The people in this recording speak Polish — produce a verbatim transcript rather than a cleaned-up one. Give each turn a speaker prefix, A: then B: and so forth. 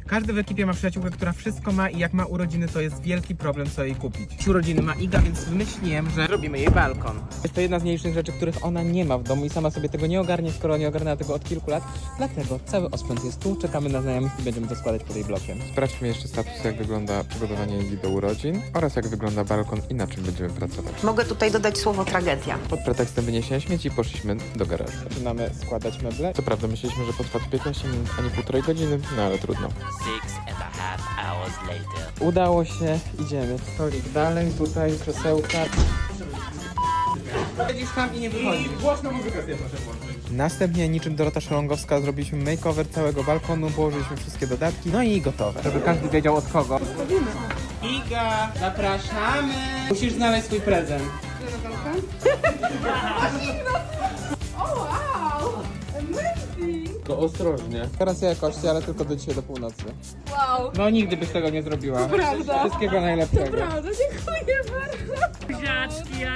A: Każdy w ekipie ma przyjaciółkę, która wszystko ma i jak ma urodziny, to jest wielki problem, co jej kupić. Urodziny ma Iga, więc wymyśliłem, że robimy jej balkon. Jest to jedna z mniejszych rzeczy, których ona nie ma w domu i sama sobie tego nie ogarnie, skoro nie ogarnęła tego od kilku lat. Dlatego cały osprzęt jest tu, czekamy na znajomych i będziemy to składać pod jej blokiem.
B: Sprawdźmy jeszcze status, jak wygląda przygotowanie Igi do urodzin oraz jak wygląda balkon i na czym będziemy pracować.
C: Mogę tutaj dodać słowo tragedia.
B: Pod pretekstem wyniesienia śmieci poszliśmy do garażu.
A: Zaczynamy składać meble.
B: Co prawda myśleliśmy, że potrwa piętnaście minut, a nie półtorej godziny, no ale trudno.
D: Six and a half hours later.
A: Udało się, idziemy. Stolik dalej, tutaj krzesełka. Siedzisz tam i nie wychodzisz. Głośno muzykę sobie proszę włączyć. Następnie, niczym Dorota Szalongowska, zrobiliśmy makeover całego balkonu, położyliśmy wszystkie dodatki, no i gotowe. Żeby każdy wiedział od kogo. Iga, zapraszamy! Musisz znaleźć swój prezent.
B: To ostrożnie.
A: Gwarancja jakości, ale tylko do dzisiaj do północy.
E: Wow,
A: No nigdy byś tego nie zrobiła.
E: prawda.
A: Wszystkiego najlepszego.
E: Prawda, dziękuję bardzo.
D: Buziaczki,